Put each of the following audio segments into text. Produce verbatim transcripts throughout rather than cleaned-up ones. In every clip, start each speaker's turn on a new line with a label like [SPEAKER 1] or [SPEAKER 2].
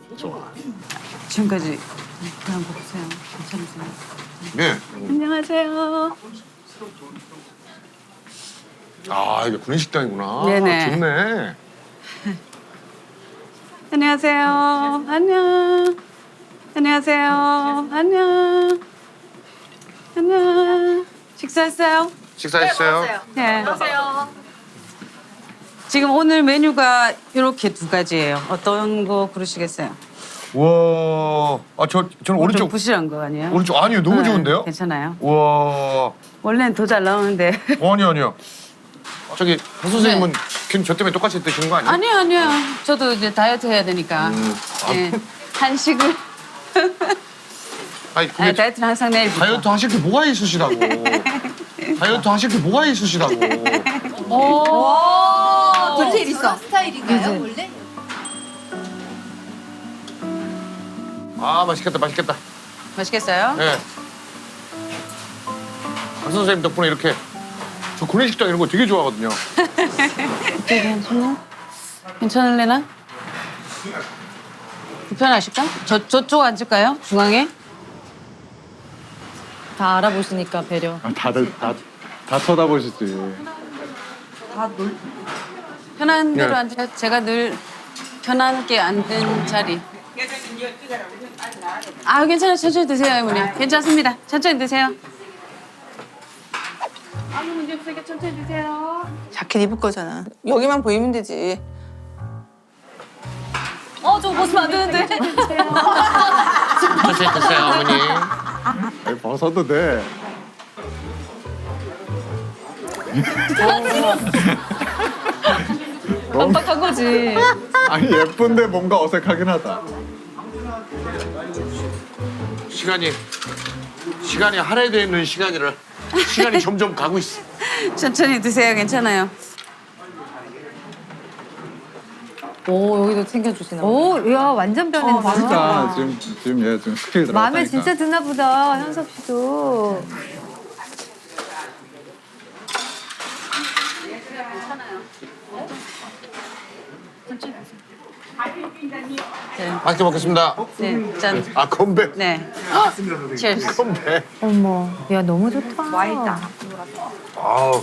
[SPEAKER 1] 지금까지 그냥 보세요. 괜찮으세요?
[SPEAKER 2] 네.
[SPEAKER 1] 안녕하세요.
[SPEAKER 2] 아, 이게 구내식당이구나.
[SPEAKER 1] 네네.
[SPEAKER 2] 좋네.
[SPEAKER 1] 안녕하세요. 안녕. 안녕하세요. 안녕. 안녕. 식사했어요?
[SPEAKER 2] 식사했어요?
[SPEAKER 1] 네. 안녕하세요. 지금 오늘 메뉴가 이렇게 두 가지예요. 어떤 거 고르시겠어요?
[SPEAKER 2] 우와. 아, 저, 저는
[SPEAKER 1] 좀
[SPEAKER 2] 오른쪽.
[SPEAKER 1] 부실한 거 아니에요?
[SPEAKER 2] 오른쪽. 아니요, 너무
[SPEAKER 1] 네,
[SPEAKER 2] 좋은데요?
[SPEAKER 1] 괜찮아요.
[SPEAKER 2] 우와.
[SPEAKER 1] 원래는 더 잘 나오는데.
[SPEAKER 2] 어, 아니요, 아니요. 저기, 박 선생님은 괜히 저 때문에 똑같이 드시는 거 아니에요?
[SPEAKER 1] 아니요, 아니요. 저도 이제 다이어트 해야 되니까.
[SPEAKER 2] 음. 아,
[SPEAKER 1] 네. 한식을.
[SPEAKER 2] 아니,
[SPEAKER 1] 아,
[SPEAKER 2] 근데
[SPEAKER 1] 다이어트는 항상 내일부터.
[SPEAKER 2] 다이어트 하실 게 뭐가 있으시다고. 다이어트 하실 게 뭐가 있으시다고.
[SPEAKER 3] 오, 디테일 있어. 스타일인가요, 원래?
[SPEAKER 2] 아, 맛있겠다, 맛있겠다.
[SPEAKER 1] 맛있겠어요?
[SPEAKER 2] 예. 박 선생님 덕분에 이렇게 저 구내식당 이런 거 되게 좋아하거든요.
[SPEAKER 1] 어떻게 괜찮나? 괜찮을래나? 불편하실까? 저, 저쪽 앉을까요? 중앙에?
[SPEAKER 3] 다 알아보시니까 배려.
[SPEAKER 4] 아, 다들 다, 다 쳐다보시지.
[SPEAKER 1] 편한 대로
[SPEAKER 2] 네.
[SPEAKER 1] 앉으세요. 제가 늘 편하게 앉는 자리. 아, 괜찮아요. 천천히 드세요, 어머니. 괜찮습니다. 천천히 드세요. 아무 문제 없으니까 천천히 드세요.
[SPEAKER 5] 자켓 입을 거잖아. 여기만 보이면 되지.
[SPEAKER 3] 어, 저거 벗으면 안 되는데.
[SPEAKER 2] 천천히 드세요, 어머니.
[SPEAKER 4] 아니, 벗어도 돼.
[SPEAKER 3] 깜빡한 거지.
[SPEAKER 4] 아니, 예쁜데 뭔가 어색하긴 하다.
[SPEAKER 2] 시간이 시간이 할애되어 있는 시간이라 시간이 점점 가고 있어.
[SPEAKER 1] 천천히 드세요. 괜찮아요.
[SPEAKER 3] 오, 여기도 챙겨주시나 봐.
[SPEAKER 6] 오, 야 완전 변했네.
[SPEAKER 4] 진짜 지금, 지금 얘 지금 스킬 들어갔다니까.
[SPEAKER 6] 마음에 진짜 드나 보다, 현섭 씨도.
[SPEAKER 2] 맛있게 먹겠습니다.
[SPEAKER 1] 네, 짠.
[SPEAKER 2] 아, 건배.
[SPEAKER 1] 네. Cheers.
[SPEAKER 2] 건배.
[SPEAKER 6] 어머, 야 너무 좋다. 와있다.
[SPEAKER 2] 아우.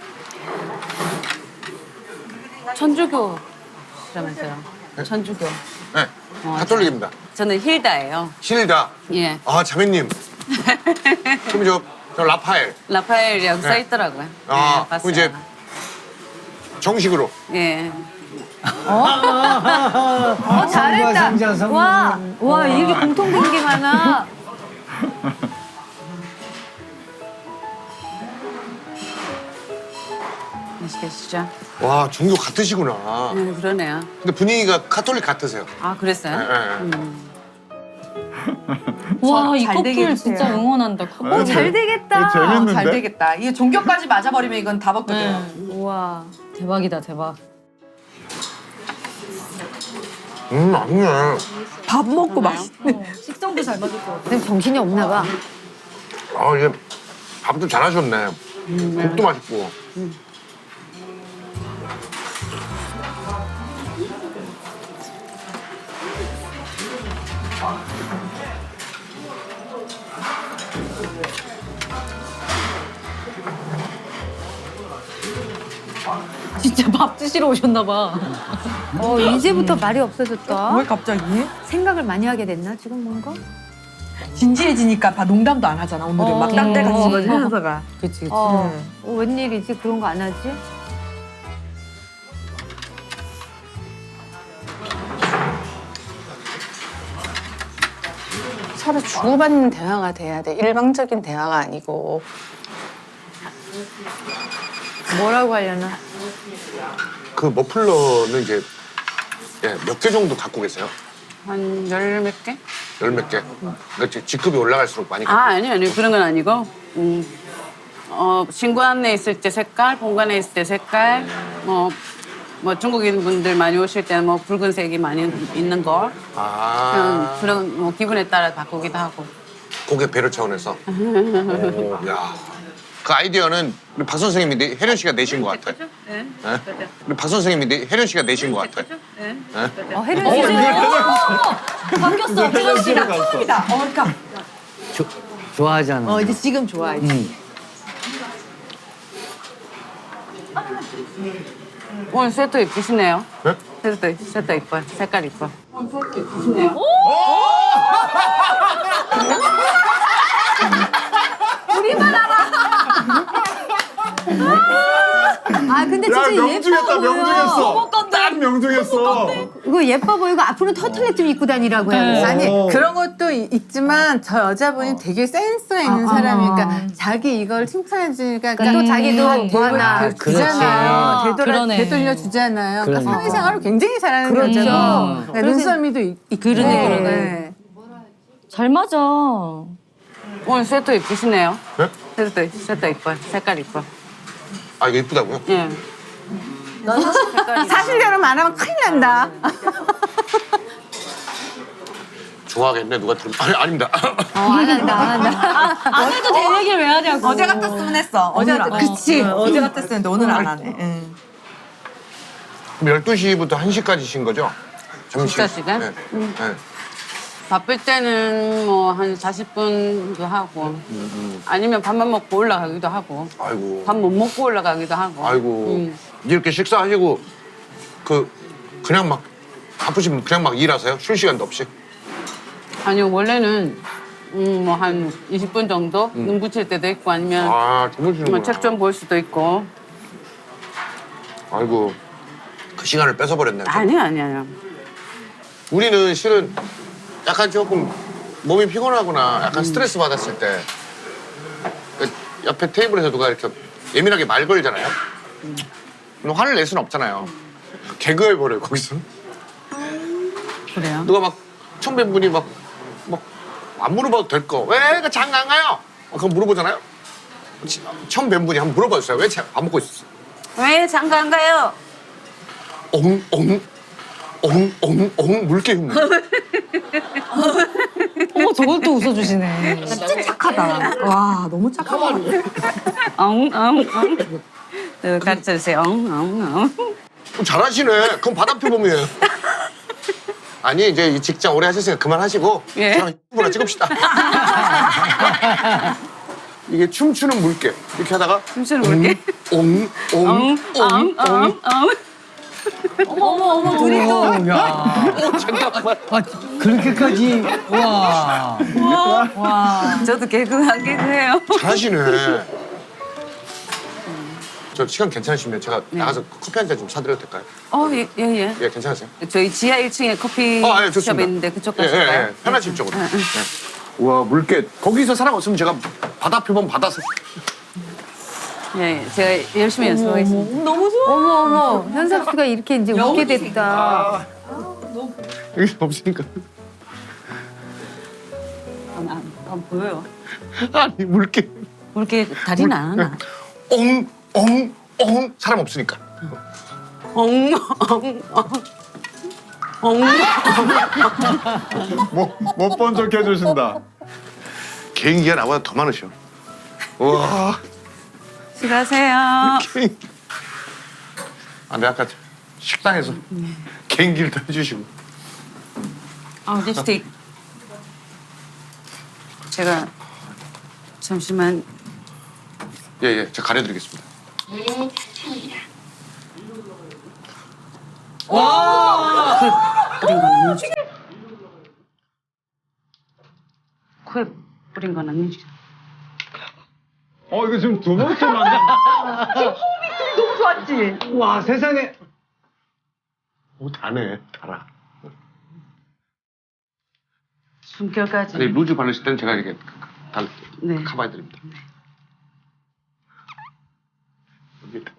[SPEAKER 1] 천주교라면서요. 천주교.
[SPEAKER 2] 네. 가톨릭입니다.
[SPEAKER 1] 저는 힐다예요.
[SPEAKER 2] 실다.
[SPEAKER 1] 예.
[SPEAKER 2] 아, 자매님. 그럼 저, 저 라파엘.
[SPEAKER 1] 라파엘이라고
[SPEAKER 2] 네.
[SPEAKER 1] 써 있더라고요.
[SPEAKER 2] 아,
[SPEAKER 1] 네, 봤어요.
[SPEAKER 2] 그럼 이제 정식으로.
[SPEAKER 1] 예.
[SPEAKER 6] 어 잘했다. 와, 와 이렇게 공통된 게 많아.
[SPEAKER 1] 맛있게 드시죠.
[SPEAKER 2] 와, 종교 같으시구나.
[SPEAKER 1] 네, 그러네요.
[SPEAKER 2] 근데 분위기가 카톨릭 같으세요.
[SPEAKER 1] 아, 그랬어요?
[SPEAKER 2] 네, 네.
[SPEAKER 1] 음.
[SPEAKER 3] 와, 이
[SPEAKER 6] 잘 되게
[SPEAKER 3] 커플
[SPEAKER 6] 해주세요.
[SPEAKER 3] 진짜 응원한다. 커플.
[SPEAKER 4] 어,
[SPEAKER 6] 잘 되겠다.
[SPEAKER 4] 이거 재밌는데?
[SPEAKER 5] 잘 되겠다. 이게 종교까지 맞아버리면 이건 다 벗거든.
[SPEAKER 3] 네.
[SPEAKER 6] 우와.
[SPEAKER 3] 대박이다, 대박.
[SPEAKER 2] 음, 맛있네.
[SPEAKER 5] 밥 먹고 맛있네.
[SPEAKER 3] 식성도 잘 맞을 것 같아.
[SPEAKER 6] 근데 정신이 없나 봐.
[SPEAKER 2] 아, 이게 밥도 잘하셨네. 국도 맛있고.
[SPEAKER 3] 진짜 밥 드시러 오셨나 봐.
[SPEAKER 6] 어 이제부터 말이 없어졌다.
[SPEAKER 5] 왜 갑자기?
[SPEAKER 6] 생각을 많이 하게 됐나 지금 뭔가?
[SPEAKER 5] 진지해지니까 다 농담도 안 하잖아. 오늘은
[SPEAKER 6] 어.
[SPEAKER 5] 막 딴 데 같이
[SPEAKER 6] 어.
[SPEAKER 5] 거지 현서가.
[SPEAKER 3] 그치, 그치.
[SPEAKER 6] 어, 어 웬일이지 그런 거 안 하지?
[SPEAKER 7] 서로 주고받는 대화가 돼야 돼. 일방적인 대화가 아니고.
[SPEAKER 6] 뭐라고 하려나?
[SPEAKER 2] 그 머플러는 이제 예, 몇 개 정도 갖고 계세요?
[SPEAKER 1] 한 열 몇 개?
[SPEAKER 2] 열 몇 개? 그러니까 직급이 올라갈수록 많이
[SPEAKER 1] 아, 아니요, 아니요. 그런 건 아니고. 음, 어, 신관에 있을 때 색깔, 본관에 있을 때 색깔, 뭐, 뭐 중국인 분들 많이 오실 때는 뭐 붉은색이 많이 있는 거.
[SPEAKER 2] 아,
[SPEAKER 1] 그냥 그런 뭐 기분에 따라 바꾸기도 하고.
[SPEAKER 2] 고객 배려 차원에서. 오, 야. 그 아이디어는 우리 박 선생님이 내- 혜련 씨가 내신 것 같아.
[SPEAKER 1] 네.
[SPEAKER 2] 네? 우리 박 선생님이 내- 혜련 씨가 내신 것 같아.
[SPEAKER 6] 어, 혜련 씨.
[SPEAKER 3] 바뀌었어. 혜련 씨가.
[SPEAKER 5] 처음이다. 어, 그러니까
[SPEAKER 8] 조, 좋아하잖아.
[SPEAKER 5] 어, 이제 지금 좋아해.
[SPEAKER 1] 오늘 세트 이쁘시네요.
[SPEAKER 2] 네?
[SPEAKER 1] 세트, 세트 이뻐. 색깔 이뻐. 오늘 세트 이쁘시네요.
[SPEAKER 6] 아, 근데
[SPEAKER 4] 야
[SPEAKER 6] 진짜
[SPEAKER 4] 명중했다
[SPEAKER 6] 예뻐 보여.
[SPEAKER 4] 명중했어. 딱 명중했어.
[SPEAKER 6] 이거 예뻐 보이고 앞으로는 터틀넥 좀 입고 다니라고 해야
[SPEAKER 7] 아니
[SPEAKER 4] 어.
[SPEAKER 7] 그런 것도 이- 있지만 저 여자분이 되게 센스 있는
[SPEAKER 6] 아,
[SPEAKER 7] 사람이니까 자기 이걸 칭찬해 주니까
[SPEAKER 6] 또 자기도 뭐 하나
[SPEAKER 7] 그, 주잖아요.
[SPEAKER 3] 그렇지.
[SPEAKER 7] 되돌아
[SPEAKER 3] 그러네.
[SPEAKER 7] 되돌려 주잖아요. 그러니까
[SPEAKER 8] 그러네.
[SPEAKER 7] 사회생활을 굉장히 잘하는
[SPEAKER 6] 그렇죠.
[SPEAKER 7] 여자고 그러니까 눈썰미도 있- 있고.
[SPEAKER 3] 그러네, 그러네.
[SPEAKER 7] 네.
[SPEAKER 3] 잘 맞아.
[SPEAKER 1] 오늘 세트 이쁘시네요.
[SPEAKER 2] 네?
[SPEAKER 1] 세트, 세트 이뻐. 색깔 이뻐.
[SPEAKER 2] 아 이거 이쁘다고요?
[SPEAKER 1] 예.
[SPEAKER 7] 사실대로 말하면 큰일 난다.
[SPEAKER 2] 좋아하겠네 누가 들으면. 아니 아닙니다.
[SPEAKER 6] 어, 안 한다, 안 한다.
[SPEAKER 3] 안 해도 될 얘기를 왜 하냐고.
[SPEAKER 5] 어제 같았으면 했어. 어제
[SPEAKER 3] 오늘
[SPEAKER 5] 같
[SPEAKER 3] 안-
[SPEAKER 5] 그치. 어제 같았으면 오늘 안 하네. 응.
[SPEAKER 2] 그럼 열두 시부터 한 시까지 쉰 거죠? 점심.
[SPEAKER 1] 진짜 시간?
[SPEAKER 2] 네. 네.
[SPEAKER 1] 바쁠 때는 뭐 한 사십 분도 하고 아니면 밥만 먹고 올라가기도 하고
[SPEAKER 2] 아이고.
[SPEAKER 1] 밥 못 먹고 올라가기도 하고
[SPEAKER 2] 아이고.
[SPEAKER 1] 음.
[SPEAKER 2] 이렇게 식사하시고 그 그냥 막 바쁘시면 그냥 막 일하세요? 쉴 시간도 없이?
[SPEAKER 1] 아니요 원래는 음, 뭐 한 이십 분 정도 눈 붙일 때도 있고 아니면
[SPEAKER 2] 아 주무시는구나.
[SPEAKER 1] 뭐 책 좀 볼 수도 있고
[SPEAKER 2] 아이고 그 시간을 뺏어버렸네.
[SPEAKER 1] 아니요 아니요
[SPEAKER 2] 우리는 실은 약간 조금 몸이 피곤하거나 약간 스트레스 받았을 때 그 옆에 테이블에서 누가 이렇게 예민하게 말 걸잖아요. 그럼 화를 낼 수는 없잖아요. 개그해버려요 거기서.
[SPEAKER 1] 그래요?
[SPEAKER 2] 누가 막 처음 뵌 분이 막 막 안 물어봐도 될 거. 왜 그 장가 안 가요? 어, 그럼 물어보잖아요. 치- 처음 뵌 분이 한번 물어봐 주세요. 왜 밥 먹고 있었어?
[SPEAKER 1] 왜 장가 안 가요?
[SPEAKER 2] 엉, 엉, 엉, 엉, 엉, 물개 흉내.
[SPEAKER 3] 어머, 저걸 또 웃어주시네.
[SPEAKER 5] 진짜 착하다. 와, 너무 착하다.
[SPEAKER 1] 엉엉엉 가르쳐 주세요 엉엉엉
[SPEAKER 2] 잘하시네. 그럼 바다 표범이에요. 아니 이제 이 직장 오래 하셨으니까 그만하시고
[SPEAKER 1] 예.
[SPEAKER 2] 저랑 유튜브나 찍읍시다. 이게 춤추는 물개 이렇게 하다가
[SPEAKER 1] 춤추는 물개?
[SPEAKER 2] 엉, 엉, 엉, 엉, 엉.
[SPEAKER 3] 어머, 어머, 둘이 또.
[SPEAKER 8] 어, 야.
[SPEAKER 2] 잠깐만.
[SPEAKER 8] 아, 그렇게까지. 와.
[SPEAKER 1] 저도 개그 한 개그해요.
[SPEAKER 2] 잘하시네. 저 시간 괜찮으시면 제가 나가서 커피 한 잔 좀 사드려도 될까요?
[SPEAKER 1] 어, 예, 예, 예.
[SPEAKER 2] 예, 괜찮으세요?
[SPEAKER 1] 저희 지하 일 층에 커피숍
[SPEAKER 2] 어, 예, 좋습니다.
[SPEAKER 1] 있는데 그쪽
[SPEAKER 2] 예, 예,
[SPEAKER 1] 가실까요?
[SPEAKER 2] 예. 편하실 쪽으로. 예.
[SPEAKER 4] 우와 물개.
[SPEAKER 2] 거기서 사람 없으면 제가 바다 표범 받아서.
[SPEAKER 1] 예, 예. 제가 열심히 연습하겠습니다.
[SPEAKER 5] 너무 좋아.
[SPEAKER 6] 어머, 어머. 현섭 씨가 이렇게 이제 웃게 됐다.
[SPEAKER 2] 여기 없으니까.
[SPEAKER 1] 안, 안, 안 보여요.
[SPEAKER 2] 아니 물개.
[SPEAKER 1] 그렇게 다리는 안 하나?
[SPEAKER 2] 엉, 엉, 엉. 사람 없으니까.
[SPEAKER 1] 엉, 엉, 엉. 엉.
[SPEAKER 4] 못 본 척 해주신다.
[SPEAKER 2] 개인기가 나보다 더 많으셔. 와.
[SPEAKER 1] 수고하세요.
[SPEAKER 2] 개인. 아, 내가 아까 식당에서 개인기를 다 해주시고.
[SPEAKER 1] 아, 립스틱. 제가 잠시만.
[SPEAKER 2] 예, 예. 제가 가려드리겠습니다.
[SPEAKER 1] 뿌린 건 아니지. 코에 뿌린 건 아니지.
[SPEAKER 4] 어 이거 지금 두 번째 만나.
[SPEAKER 5] 너무 좋았지?
[SPEAKER 8] 와, 세상에.
[SPEAKER 2] 오, 다네. 달아.
[SPEAKER 1] 숨결까지.
[SPEAKER 2] 아니, 루즈 바르실 때는 제가 이렇게 달,
[SPEAKER 1] 네.
[SPEAKER 2] 커버해드립니다. 여기 다-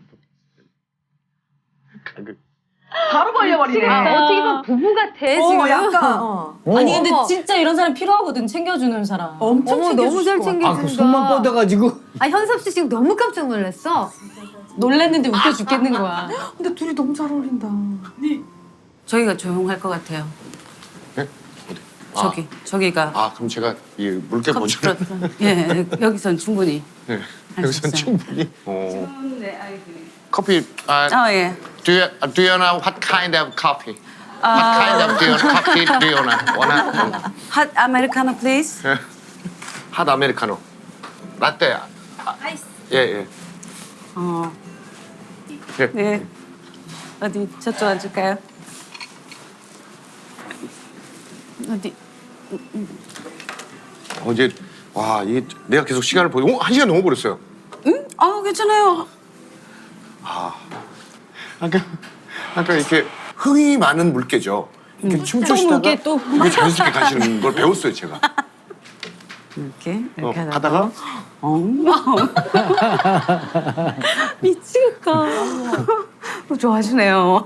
[SPEAKER 2] 가격.
[SPEAKER 5] 바로 걸려버리네.
[SPEAKER 6] 아, 어떻게 보면 부부 같아, 지금.
[SPEAKER 5] 어, 약간. 어.
[SPEAKER 3] 아니, 근데
[SPEAKER 6] 어머.
[SPEAKER 3] 진짜 이런 사람 필요하거든, 챙겨주는 사람.
[SPEAKER 5] 엄청
[SPEAKER 6] 어머, 너무 잘
[SPEAKER 5] 챙겨주실 것
[SPEAKER 6] 챙겨준다.
[SPEAKER 8] 아, 그 손만 뻗어가지고.
[SPEAKER 6] 아, 현섭 씨 지금 너무 깜짝 놀랐어.
[SPEAKER 3] 놀랬는데 웃겨 죽겠는 거야.
[SPEAKER 5] 같아. 근데 둘이 너무 잘 어울린다.
[SPEAKER 1] 저기가 조용할 것 같아요.
[SPEAKER 2] 네? 어디? 아,
[SPEAKER 1] 저기, 저기가.
[SPEAKER 2] 아, 그럼 제가 이 물개 먼저.
[SPEAKER 1] 예, 여기선 충분히.
[SPEAKER 2] 네.
[SPEAKER 1] 할수
[SPEAKER 2] 여기선
[SPEAKER 1] 있어요.
[SPEAKER 2] 충분히. 어.
[SPEAKER 1] 네, 아이들이.
[SPEAKER 2] 커피. 아,
[SPEAKER 1] 어, 예.
[SPEAKER 2] do you do you know what kind of coffee? What kind of do you, coffee do you know? 원하?
[SPEAKER 1] 핫 아메리카노 플리즈.
[SPEAKER 2] 핫 아메리카노. 라떼. 아, 예 예.
[SPEAKER 1] 어.
[SPEAKER 2] 예.
[SPEAKER 1] 네. 어디 저쪽 앉을까요? 어디?
[SPEAKER 2] 어제 와 이게 내가 계속 시간을 보고 어, 한 시간 넘어 버렸어요.
[SPEAKER 1] 응? 아 괜찮아요.
[SPEAKER 2] 아까 아까 이렇게 흥이 많은 물개죠. 이렇게 춤추시다가
[SPEAKER 3] 물개 또.
[SPEAKER 2] 이렇게 자연스럽게 가시는 걸 배웠어요 제가.
[SPEAKER 1] 이렇게 이렇게
[SPEAKER 2] 어,
[SPEAKER 1] 하다가.
[SPEAKER 2] 하다가
[SPEAKER 1] 엉. 미치겠다. 어, 좋아하시네요.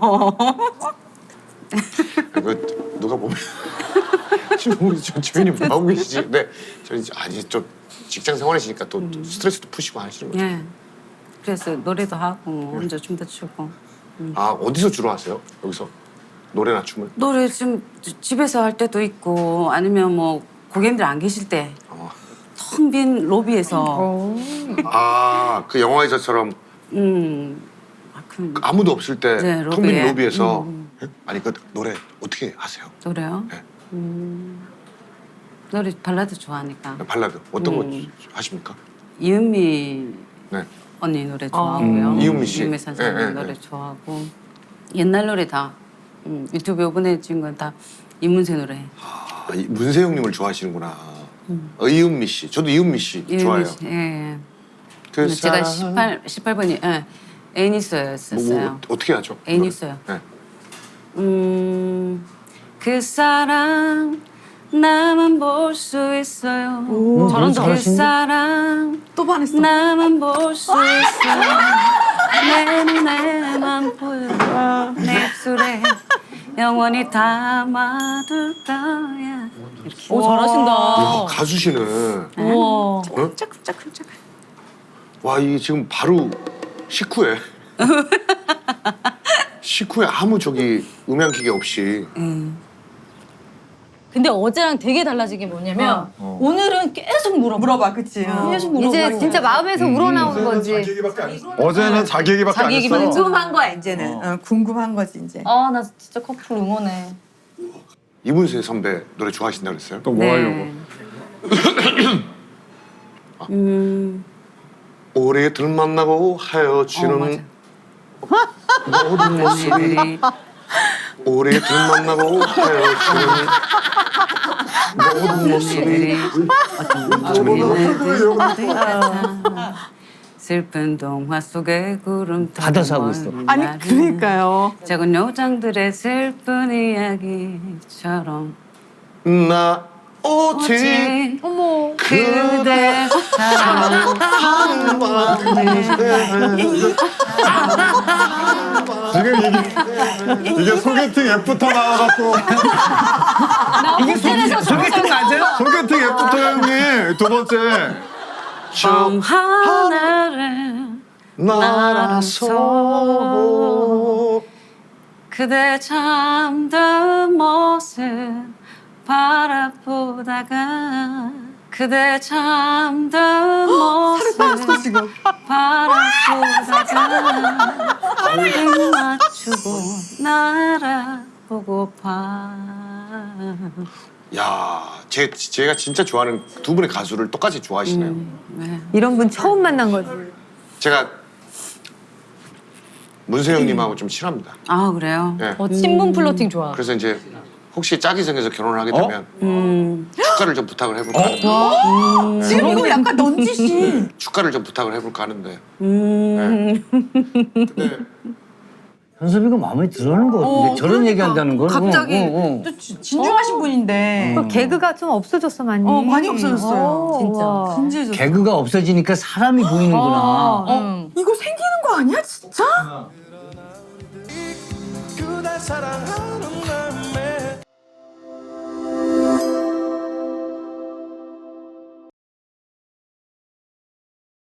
[SPEAKER 2] 그 누가 보면 지금 우리 저 주변이 뭐 하고 계시지? 네, 저희 아니 좀 직장 생활이시니까 또 스트레스도 푸시고 하시는 거죠.
[SPEAKER 1] 예. 그래서 노래도 하고 혼자 춤도 추고.
[SPEAKER 2] 아 어디서 주로 하세요? 여기서 노래나 춤을?
[SPEAKER 1] 노래 좀 집에서 할 때도 있고 아니면 뭐 고객님들 안 계실 때
[SPEAKER 2] 어.
[SPEAKER 1] 텅 빈 로비에서
[SPEAKER 2] 아그 영화에서처럼
[SPEAKER 1] 음. 아, 그
[SPEAKER 2] 아무도 없을 때
[SPEAKER 1] 네,
[SPEAKER 2] 텅 빈
[SPEAKER 1] 로비에.
[SPEAKER 2] 로비에서
[SPEAKER 1] 음,
[SPEAKER 2] 예? 아니 그 노래 어떻게 하세요?
[SPEAKER 1] 노래요?
[SPEAKER 2] 네.
[SPEAKER 1] 음. 노래 발라드 좋아하니까
[SPEAKER 2] 발라드 어떤
[SPEAKER 1] 음.
[SPEAKER 2] 거 하십니까?
[SPEAKER 1] 이은미
[SPEAKER 2] 네.
[SPEAKER 1] 언니 노래 좋아하고요.
[SPEAKER 2] 음, 이은미 씨.
[SPEAKER 1] 이은미 선생님
[SPEAKER 2] 예, 예,
[SPEAKER 1] 노래
[SPEAKER 2] 예.
[SPEAKER 1] 좋아하고 옛날 노래 다 음, 유튜브 요번에 찍은 건 다 이문세 노래.
[SPEAKER 2] 아, 이 문세영님을 좋아하시는구나. 어, 이은미 씨, 저도 이은미 씨
[SPEAKER 1] 이은미
[SPEAKER 2] 좋아해요.
[SPEAKER 1] 씨, 예, 예.
[SPEAKER 2] 그
[SPEAKER 1] 제가
[SPEAKER 2] 사람-
[SPEAKER 1] 십팔, 십팔 번이 예, 애인 있어요
[SPEAKER 2] 뭐,
[SPEAKER 1] 썼어요.
[SPEAKER 2] 뭐, 어떻게 하죠?
[SPEAKER 1] 애인
[SPEAKER 2] 노래?
[SPEAKER 1] 있어요.
[SPEAKER 2] 네.
[SPEAKER 1] 음, 그 사람 나만 볼 수 있어요.
[SPEAKER 8] 잘한다.
[SPEAKER 1] 그 사람
[SPEAKER 5] 또 반했어.
[SPEAKER 1] 나만 볼 수 있어요. 내 눈에만 보여. 내 입술에 영원히 담아둘 거야. 이렇게.
[SPEAKER 3] 오 잘하신다.
[SPEAKER 2] 야, 가수시네.
[SPEAKER 3] 우와.
[SPEAKER 1] 짝짝짝짝.
[SPEAKER 2] 와, 이게 지금 바로 식후에 식후에 아무 저기 음향 기계 없이
[SPEAKER 1] 음.
[SPEAKER 3] 근데 어제랑 되게 달라진 게 뭐냐면 오늘은 계속 물어봐.
[SPEAKER 5] 물어봐, 그치? 어.
[SPEAKER 3] 계속 물어봐.
[SPEAKER 6] 이제 진짜 마음에서 우러나오는 거지.
[SPEAKER 4] 어제는 자기 얘기밖에
[SPEAKER 3] 자기
[SPEAKER 4] 안
[SPEAKER 3] 얘기만
[SPEAKER 4] 했어.
[SPEAKER 5] 궁금한 거야, 이제는. 어, 궁금한 거지, 이제.
[SPEAKER 3] 아 나 진짜 커플 응원해.
[SPEAKER 2] 이문세 선배 노래 좋아하신다 그랬어요?
[SPEAKER 4] 또 뭐 하려고?
[SPEAKER 1] 음,
[SPEAKER 2] 우리들 만나고
[SPEAKER 1] 어,
[SPEAKER 2] 헤어지는
[SPEAKER 1] 맞아.
[SPEAKER 2] 모든 모습이
[SPEAKER 1] 언니들이
[SPEAKER 2] 우리들 만나고 헤어지는 모든 모습이
[SPEAKER 1] 언니들이 어떤 우리들 같아. 슬픈 동화 속의 구름
[SPEAKER 8] 받아서 하고 있어.
[SPEAKER 5] 아니, 그러니까요.
[SPEAKER 1] 작은 요정들의 슬픈 이야기처럼
[SPEAKER 2] 나 오직
[SPEAKER 1] 오직
[SPEAKER 6] 어머.
[SPEAKER 1] 그대 사랑
[SPEAKER 4] 지금 이게 이게 소개팅 앱부터 나와갖고
[SPEAKER 3] 이게 호텔에서
[SPEAKER 8] 소개팅 맞아요?
[SPEAKER 4] 소개팅 앱부터 형님 두 번째
[SPEAKER 1] 밤 하늘을
[SPEAKER 2] 날아서
[SPEAKER 1] 그대 잠든 모습 바라보다가 그대 잠든 모습 바라보다가 등 맞추고 날아보고파.
[SPEAKER 2] 야, 제, 제가 진짜 좋아하는 두 분의 가수를 똑같이 좋아하시네요.
[SPEAKER 1] 네.
[SPEAKER 6] 이런 분 처음 만난 거지.
[SPEAKER 2] 제가 문세영님하고 좀 친합니다.
[SPEAKER 1] 아 그래요?
[SPEAKER 2] 예.
[SPEAKER 3] 어, 친분 플러팅 좋아.
[SPEAKER 2] 그래서 이제 혹시 짝이 생겨서 결혼을 하게 되면
[SPEAKER 1] 음.
[SPEAKER 2] 축가를 좀 부탁을 해볼까 하는데
[SPEAKER 5] 지금 이거 약간 넌지시.
[SPEAKER 2] 축가를 좀 부탁을 해볼까 하는데
[SPEAKER 1] 음.
[SPEAKER 2] 근데
[SPEAKER 8] 현섭이가 마음에 들어하는 거 같은데
[SPEAKER 5] 어,
[SPEAKER 8] 저런
[SPEAKER 5] 그러니까.
[SPEAKER 8] 얘기한다는 건
[SPEAKER 5] 갑자기
[SPEAKER 8] 어, 어, 어.
[SPEAKER 5] 또 지- 진중하신 분인데.
[SPEAKER 6] 그 개그가 좀 없어졌어 많이.
[SPEAKER 5] 어, 많이 없어졌어요.
[SPEAKER 6] 어,
[SPEAKER 3] 진짜.
[SPEAKER 6] 와.
[SPEAKER 5] 진지해졌어.
[SPEAKER 8] 개그가 없어지니까 사람이 보이는구나.
[SPEAKER 3] 어,
[SPEAKER 5] 어,
[SPEAKER 3] 응.
[SPEAKER 5] 이거 생기는 거 아니야, 진짜?
[SPEAKER 9] 그대 사랑하는 마음에